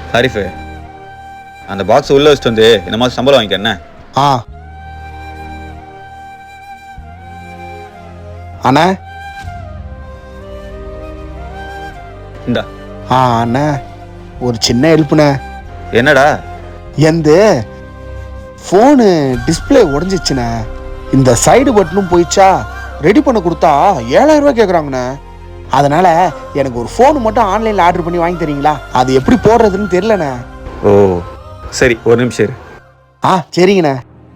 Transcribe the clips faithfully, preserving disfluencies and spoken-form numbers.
ஹரிஃபு, அந்த பாக்ஸ் உள்ள வச்சுட்டு வந்து இந்த மாதிரி சம்பளம் வாங்கிக்க என்ன? ஆ அண்ணா. இந்தா. ஆ அண்ணா, ஒரு சின்ன ஹெல்ப்ண்ணே. என்னடா? எந்த ஃபோனு டிஸ்பிளே உடஞ்சிச்சுண்ணே. இந்த சைடு பட்டனும் போயிடுச்சா, ரெடி பண்ண கொடுத்தா ஏழாயிரம் ரூபாய் கேட்குறாங்கண்ணே. அதனால எனக்கு ஒரு ஃபோனு மட்டும் ஆன்லைனில் ஆர்டர் பண்ணி வாங்கி தரீங்களா? அது எப்படி போடுறதுன்னு தெரியலண்ணே. ஓ சரி, ஒரு நிமிஷம் இரு. ஆ சரிங்கண்ணே.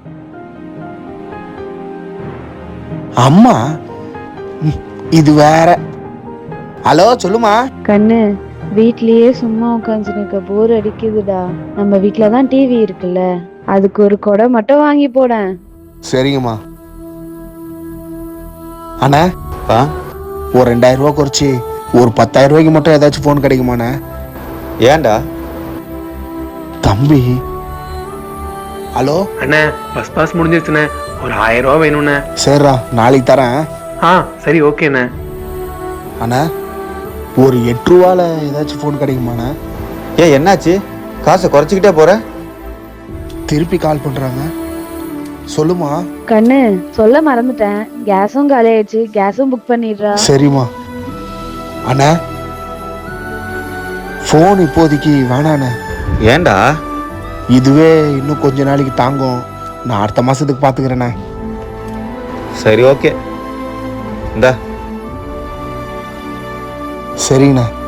அம்மா இது வேற. ஹலோ சொல்லுமா. கண்ணு, வீட்லயே சும்மா உட்காந்துருக்க போர் அடிக்குதுடா. நம்ம வீட்ல தான் டிவி இருக்குல்ல, அதுக்கு ஒரு கொடை மட்டும் வாங்கி போட. சரிங்கம்மா. அண்ணா, ஆ ஒரு ரெண்டாயிரம் ரூபா குறைச்சி ஒரு பத்தாயிரம் ரூபாய்க்கு மட்டும் ஏதாச்சும் ஃபோன் கிடைக்குமாண்ணே? ஏன்டா? தம்பி. ஹலோ அண்ணே, பஸ் பாஸ் முடிஞ்சிருச்சுண்ணே. ஒரு ஆயிரம் ரூபா வேணும்ண்ணே. சரிடா, நாளைக்கு தரேன். ஆ சரி, ஓகேண்ணே. அண்ணா, ஒரு எட்டு ரூபால ஏதாச்சும் ஃபோன் கிடைக்குமாண்ணே? ஏன் என்னாச்சு? காசை குறைச்சிக்கிட்டே போற? திருப்பி கால் பண்றாங்க. சொல்லுமா. கண்ணு, சொல்ல மறந்துட்டேன், கேஸும் காலி ஆயிடுச்சு, கேஸும் புக் பண்ணிடுறா. சரிம்மா. அண்ணா, ஃபோன் இப்போதைக்கு வேணாண்ணே. ஏன்டா? இதுவே இன்னும் கொஞ்ச நாளைக்கு தாங்கும், நான் அடுத்த மாசத்துக்கு பாத்துக்கிறேண்ணே. சரி ஓகே, இந்தா. சரிங்கண்ணா.